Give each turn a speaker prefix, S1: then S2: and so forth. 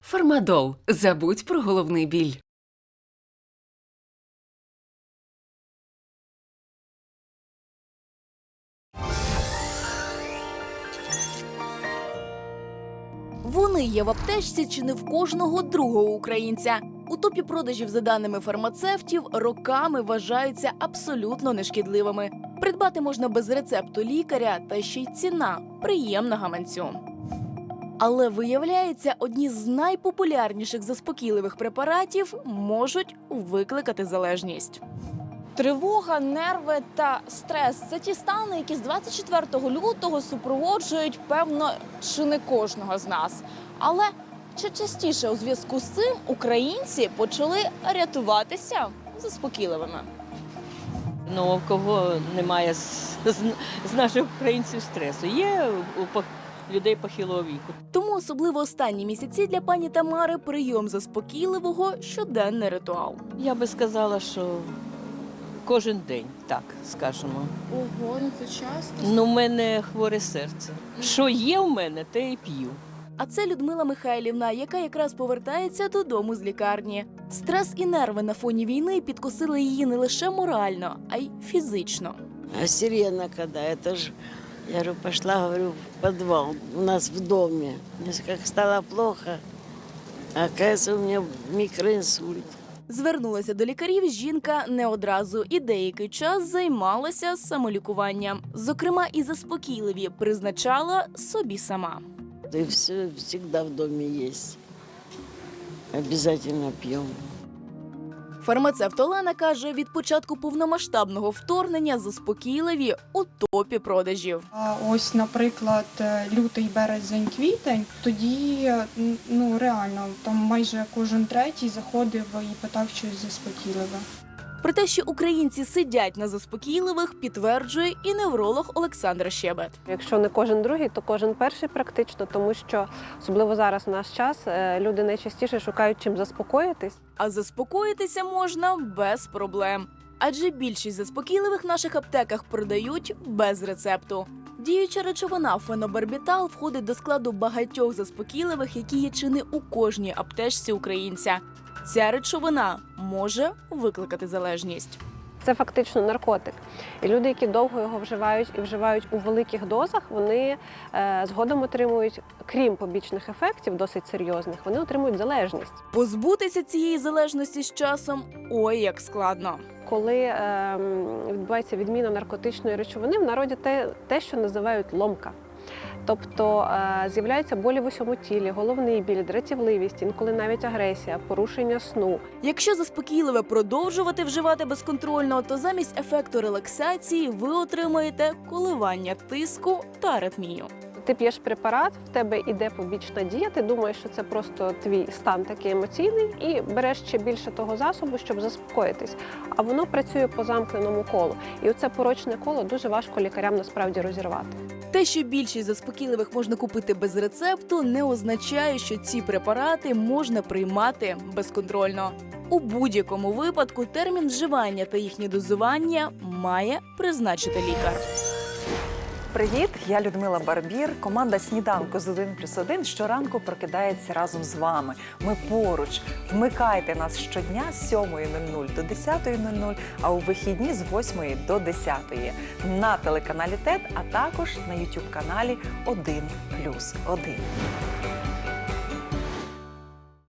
S1: Фармадол. Забудь про головний біль.
S2: Вони є в аптечці чи не в кожного другого українця. У топі продажів, за даними фармацевтів, роками вважаються абсолютно нешкідливими. Придбати можна без рецепту лікаря, та ще й ціна приємна гаманцю. Але виявляється, одні з найпопулярніших заспокійливих препаратів можуть викликати залежність. Тривога, нерви та стрес – це ті стани, які з 24 лютого супроводжують, певно, чи не кожного з нас. Але чи частіше у зв'язку з цим українці почали рятуватися заспокійливими?
S3: Ну, у кого немає з наших українців стресу? Є у людей похилого віку.
S2: Тому особливо останні місяці для пані Тамари прийом заспокійливого – щоденний ритуал.
S3: Я би сказала, що кожен день, так скажемо.
S2: Ого, ну це часто.
S3: Ну, в мене хворе серце. Що є в мене, те і п'ю.
S2: А це Людмила Михайлівна, яка якраз повертається додому з лікарні. Стрес і нерви на фоні війни підкосили її не лише морально, а й фізично.
S4: А сирена когда? Это же, я говорю, пошла, говорю, в подвал у нас в доме. Мне как стало плохо, оказывается, у меня микроинсульт.
S2: Звернулася до лікарів жінка не одразу і деякий час займалася самолікуванням. Зокрема, і заспокійливі призначала собі сама.
S4: И все всегда в доме есть. Обязательно пьем.
S2: Фармацевт Олена каже, від початку повномасштабного вторгнення заспокійливі у топі продажів.
S5: А ось, наприклад, лютий, березень, квітень, тоді, ну, реально, там майже кожен третій заходив і питав щось заспокійливе.
S2: Про те, що українці сидять на заспокійливих, підтверджує і невролог Олександр Щебет.
S6: Якщо не кожен другий, то кожен перший практично, тому що, особливо зараз в наш час, люди найчастіше шукають чим заспокоїтись.
S2: А заспокоїтися можна без проблем. Адже більшість заспокійливих в наших аптеках продають без рецепту. Діюча речовина фенобарбітал входить до складу багатьох заспокійливих, які є чи не у кожній аптечці українця. Ця речовина може викликати залежність.
S6: Це фактично наркотик. І люди, які довго його вживають і вживають у великих дозах, вони згодом отримують, крім побічних ефектів, досить серйозних, вони отримують залежність.
S2: Позбутися цієї залежності з часом – ой, як складно.
S6: Коли відбувається відміна наркотичної речовини, в народі те, що називають ломка. Тобто з'являються болі в усьому тілі, головний біль, дратівливість, інколи навіть агресія, порушення сну.
S2: Якщо заспокійливе продовжувати вживати безконтрольно, то замість ефекту релаксації ви отримаєте коливання тиску та аритмію.
S6: Ти п'єш препарат, в тебе йде побічна дія, ти думаєш, що це просто твій стан такий емоційний, і береш ще більше того засобу, щоб заспокоїтись. А воно працює по замкненому колу. І оце порочне коло дуже важко лікарям насправді розірвати.
S2: Те, що більшість заспокійливих можна купити без рецепту, не означає, що ці препарати можна приймати безконтрольно. У будь-якому випадку термін вживання та їхнє дозування має призначити лікар.
S7: Привіт, я Людмила Барбір. Команда «Сніданку з 1+1» щоранку прокидається разом з вами. Ми поруч. Вмикайте нас щодня з 7:00 до 10:00, а у вихідні з 8 до 10 на телеканалі ТЕТ, а також на YouTube-каналі 1+1.